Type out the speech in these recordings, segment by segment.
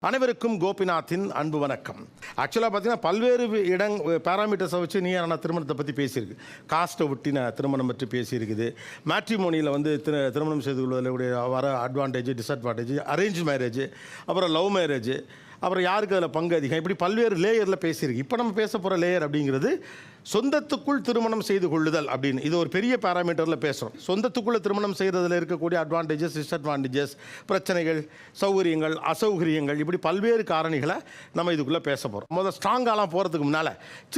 அனைவருக்கும் கோபிநாத்தின் அன்பு வணக்கம். ஆக்சுவலாக பார்த்தீங்கன்னா பல்வேறு பேராமீட்டர்ஸை வச்சு நீ நான் திருமணத்தை பற்றி பேசியிருக்கு. காஸ்ட்டை ஒட்டின திருமணம் பற்றி பேசியிருக்குது. மேட்ரிமோனியில் வந்து திருமணம் செய்து கொள்வதில் வர அட்வான்டேஜ், டிஸ்அட்வான்டேஜ், அரேஞ்ச் மேரேஜ், அப்புறம் லவ் மேரேஜ், அப்புறம் யாருக்கு அதில் பங்கு அதிகம், இப்படி பல்வேறு லேயரில் பேசியிருக்கு. இப்போ நம்ம பேச போகிற லேயர் அப்படிங்கிறது சொந்தத்துக்குள் திருமணம் செய்து கொள்ளுதல் அப்படின்னு. இது ஒரு பெரிய பேராமீட்டரில் பேசுகிறோம். சொந்தத்துக்குள்ளே திருமணம் செய்கிறதுல இருக்கக்கூடிய அட்வான்டேஜஸ், டிஸ்அட்வான்டேஜஸ், பிரச்சனைகள், சௌகரியங்கள், அசௌகரியங்கள், இப்படி பல்வேறு காரணிகளை நம்ம இதுக்குள்ளே பேச போகிறோம். முதல்ல ஸ்ட்ராங்காலாம் போகிறதுக்கு முன்னால்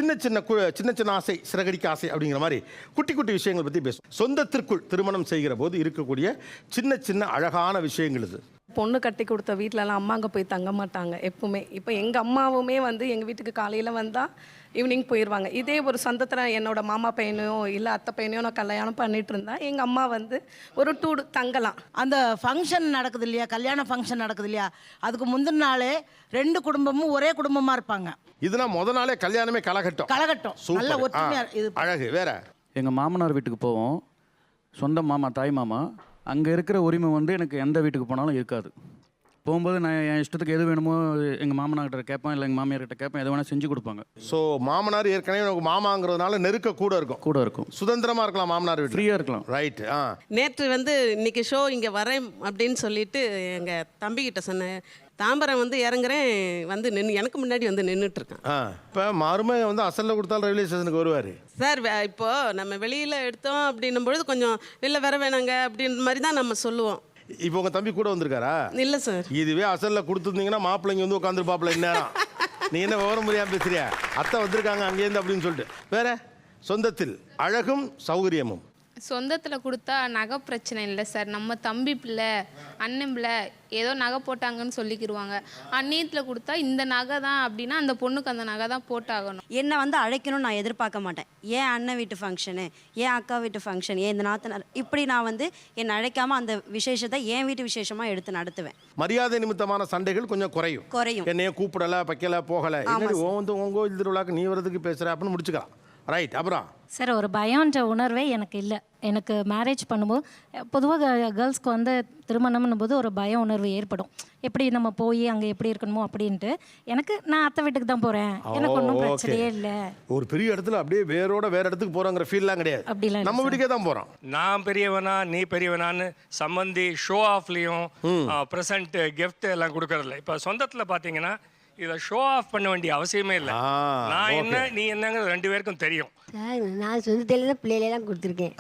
சின்ன சின்ன ஆசை, சிறகடிக்க ஆசை அப்படிங்கிற மாதிரி குட்டி குட்டி விஷயங்கள் பற்றி பேசுவோம். சொந்தத்திற்குள் திருமணம் செய்கிற போது இருக்கக்கூடிய சின்ன சின்ன அழகான விஷயங்கள் இது. பொண்ணு கட்டி கொடுத்த வீட்டிலலாம் அம்மா அங்கே போய் தங்க மாட்டாங்க எப்பவுமே. இப்போ எங்கள் அம்மாவுமே வந்து எங்கள் வீட்டுக்கு காலையில் வந்தால் ஈவினிங் போயிடுவாங்க. இதே ஒரு சொந்தத்தில் என்னோட மாமா பையனையோ இல்லை அத்தை பையனையோ நான் கல்யாணம் பண்ணிட்டு இருந்தா எங்கள் அம்மா வந்து ஒரு டூடு தங்கலாம். அந்த ஃபங்க்ஷன் நடக்குது இல்லையா, கல்யாண ஃபங்க்ஷன் நடக்குது இல்லையா, அதுக்கு முந்தின நாளே ரெண்டு குடும்பமும் ஒரே குடும்பமாக இருப்பாங்க. இதுனா முத நாளே கல்யாணமே கலகட்டும் நல்ல ஒற்றுமையா இது அழகு வேற. எங்கள் மாமனார் வீட்டுக்கு போவோம், சொந்த மாமா, தாய் மாமா. அங்கே இருக்கிற உரிமை வந்து எனக்கு எந்த வீட்டுக்கு போனாலும் இருக்காது. போகும்போது நான் என் இஷ்டத்துக்கு எது வேணுமோ எங்கள் மாமனார்கிட்ட கேட்பேன், இல்லை எங்கள் மாமியார்கிட்ட கேட்பேன், எது வேணால் செஞ்சு கொடுப்பாங்க. ஸோ மாமனார் ஏற்கனவே எனக்கு மாமாங்கிறதுனால நெருக்க கூட இருக்கும். சுதந்திரமாக இருக்கலாம், மாமனார் வீட்டு ஃப்ரீயாக இருக்கலாம். ரைட். நேற்று வந்து இன்னைக்கு ஷோ இங்கே வரேன் அப்படின்னு சொல்லிட்டு எங்கள் தம்பிக்கிட்ட சொன்னேன். தாம்பரம் வந்து இறங்குறேன், வந்து எனக்கு முன்னாடி வந்து நின்றுட்டுருக்கேன். இப்போ மருமகன் வந்து அசலில் கொடுத்தாலும் ரயில்வே ஸ்டேஷனுக்கு வருவார். சார் இப்போது நம்ம வெளியில் எடுத்தோம் அப்படின்னும் பொழுது கொஞ்சம் வெளில வர வேணாங்க அப்படின்ற மாதிரி தான் நம்ம சொல்லுவோம். இப்போ உங்கள் தம்பி கூட வந்திருக்காரா? இல்லை சார். இதுவே அசலில் கொடுத்துருந்தீங்கன்னா மாப்பிள்ளைங்க வந்து உட்காந்துருப்பாப்பில் இந்நேரம். நீ என்ன விவரம் முடியாமல் பேசுறியா? அத்தை வந்திருக்காங்க அங்கேருந்து அப்படின்னு சொல்லிட்டு. வேற சொந்தத்தில் அழகும் சௌகரியமும். சொந்தத்தில் கொடுத்தா நகை பிரச்சனை இல்லை சார். நம்ம தம்பி பிள்ளை, அண்ணன் பிள்ளை ஏதோ நகை போட்டாங்கன்னு சொல்லிக்கிடுவாங்க. அந்நியத்தில் கொடுத்தா இந்த நகை தான் அப்படின்னா அந்த பொண்ணுக்கு அந்த நகை தான் போட்டாகணும். என்னை வந்து அழைக்கணும்னு நான் எதிர்பார்க்க மாட்டேன். ஏன் அண்ணன் வீட்டு ஃபங்க்ஷனு, ஏன் அக்கா வீட்டு ஃபங்க்ஷன், ஏன் இந்த நாத்தனார், இப்படி நான் வந்து என்னை அழைக்காமல் அந்த விசேஷத்தை என் வீட்டு விசேஷமாக எடுத்து நடத்துவேன். மரியாதை நிமித்தமான சண்டைகள் கொஞ்சம் குறையும். என்னைய கூப்பிடலை, வைக்கலை, போகலை, வந்து உங்கள் கோயில் திருவிழாக்கு நீ வரதுக்கு பேசுகிற அப்படின்னு முடிச்சுக்கலாம். ரைட். அப்புறம் சார், ஒரு பயம்ன்ற உணர்வே எனக்கு இல்லை. எனக்கு மேரேஜ் பண்ணும்போது பொதுவாக கேர்ள்ஸ்க்கு வந்து திருமணம்னும் போது ஒரு பய உணர்வு ஏற்படும். எப்படி நம்ம போய் அங்கே எப்படி இருக்கணுமோ அப்படின்ட்டு. எனக்கு நான் அத்தை வீட்டுக்கு தான் போகிறேன், எனக்கு ஒன்றும் பிரச்சனையே இல்லை. ஒரு பெரிய இடத்துல அப்படியே வேற இடத்துக்கு போகிறோங்கிற ஃபீல்லாம் கிடையாது. அப்படிலாம் நம்ம வீட்டுக்கே தான் போகிறோம். நான் பெரியவனா நீ பெரியவனான்னு சம்பந்தி ஷோ ஆஃப்லேயும் ப்ரெசன்ட் கிஃப்ட் எல்லாம் கொடுக்கறதில்ல. இப்போ சொந்தத்தில் பார்த்தீங்கன்னா இதை ஷோ ஆஃப் பண்ண வேண்டிய அவசியமே இல்லை. நான் என்ன நீ என்னங்கிறது ரெண்டு பேருக்கும் தெரியும். நான் சொந்தத்தில் தான் பிள்ளைகளெல்லாம் கொடுத்துருக்கேன்.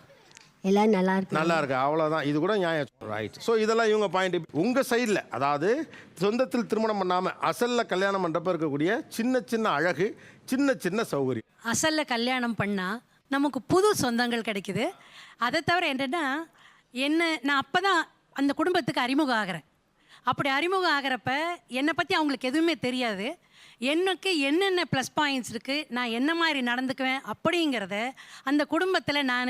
எல்லாம் நல்லா இருக்கு, அவ்வளோதான். இது கூட நியாயம். ரைட். ஸோ இதெல்லாம் இவங்க பாயிண்ட். உங்கள் சைடில் அதாவது சொந்தத்தில் திருமணம் பண்ணாமல் அசலில் கல்யாணம் பண்ணுறப்ப இருக்கக்கூடிய சின்ன சின்ன அழகு, சின்ன சின்ன சௌகரியம். அசலில் கல்யாணம் பண்ணால் நமக்கு புது சொந்தங்கள் கிடைக்குது. அதை தவிர என்னென்னா நான் அப்போ தான் அந்த குடும்பத்துக்கு அறிமுகம் ஆகிறேன். அப்படி அறிமுகம் ஆகிறப்ப என்னை பற்றி அவங்களுக்கு எதுவுமே தெரியாது. எனக்கு என்னென்ன ப்ளஸ் பாயிண்ட்ஸ் இருக்குது, நான் என்ன மாதிரி நடந்துக்குவேன் அப்படிங்கிறத அந்த குடும்பத்தில் நான்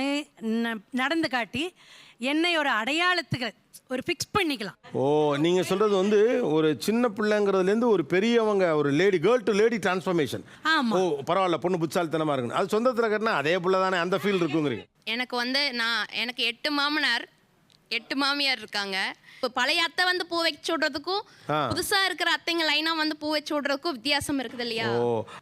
நடந்து காட்டி என்னை ஒரு அடையாளத்துக்கு ஒரு ஃபிக்ஸ் பண்ணிக்கலாம். நீங்கள் சொல்கிறது வந்து ஒரு சின்ன பிள்ளைங்கிறதுலேருந்து ஒரு பெரியவங்க, ஒரு கேர்ள் டு லேடி டிரான்ஸ்ஃபர்மேஷன். பரவாயில்ல, பொண்ணு புத்தாலித்தனமாக இருக்குன்னு. அது சொந்தத்தில் கட்டினா அதே பிள்ளை தானே, அந்த ஃபீல் இருக்குங்கிறீங்க. எனக்கு வந்து எனக்கு 8 மாமனார் 8 மாமியார் இருக்காங்க. இப்போ பழைய அத்தை வந்து பூ வச்சு விடுறதுக்கும் புதுசா இருக்கிற அத்தைங்க லைனா வந்து பூ வச்சு விடுறதுக்கும் வித்தியாசம் இருக்குது இல்லையா?